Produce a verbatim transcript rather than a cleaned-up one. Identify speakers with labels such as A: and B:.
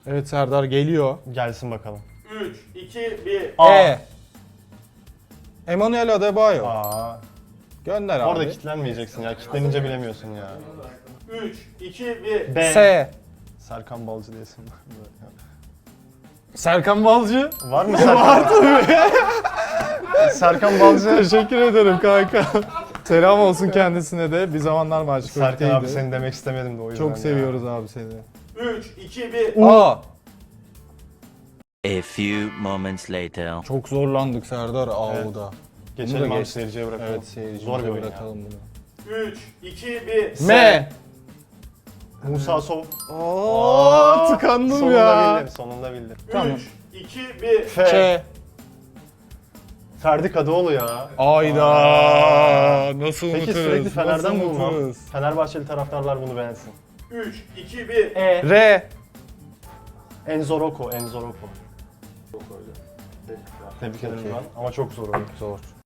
A: Evet Serdar geliyor.
B: Gelsin bakalım.
C: üç, iki, bir.
B: A.
A: E. Emmanuel Adebayo.
B: Aa.
A: Gönder abi.
B: Orada kitlenmeyeceksin ya. Kitlenince bilemiyorsun ya.
C: üç, iki, bir.
B: B.
A: S.
B: Serkan Balcı diyesin.
A: Serkan Balcı.
B: Var mı Serkan? Var tabii. Serkan Balcı.
A: Teşekkür ederim kanka. Selam olsun kendisine de. Bir zamanlar Maçkolik'teydi.
B: Serkan abi seni demek istemedim de o yüzden
A: Çok
B: ya.
A: seviyoruz abi seni.
C: üç, iki, bir.
A: A.
D: A few moments later.
A: Çok zorlandık Serdar
B: Evet.
A: A'da.
B: Geçelim
A: Bunu da
B: abi
A: geç.
B: seyirciye bırakalım.
A: Evet seyircimize
B: Zor bir oyun
A: bırakalım bunu.
C: üç, iki, bir.
A: M.
B: ya. Musa Sov.
A: Oo, tıkandım
B: sonunda
A: ya.
B: bildim, sonunda bildim.
A: Tamam.
C: üç, iki, bir.
B: F.
A: Ç.
B: Ferdi Kadıoğlu ya.
A: Ayda. Nasıl unuturuz?
B: Peki sürekli Fener'den
A: Nasıl
B: bulmam.
A: unuturuz?
B: Fenerbahçeli taraftarlar bunu beğensin.
C: üç, iki, bir.
B: E.
A: R.
B: Enzo Rocco, Enzo Rocco. Tebrik ederim
A: Okey.
B: ben ama çok zor oyun.
A: Zor.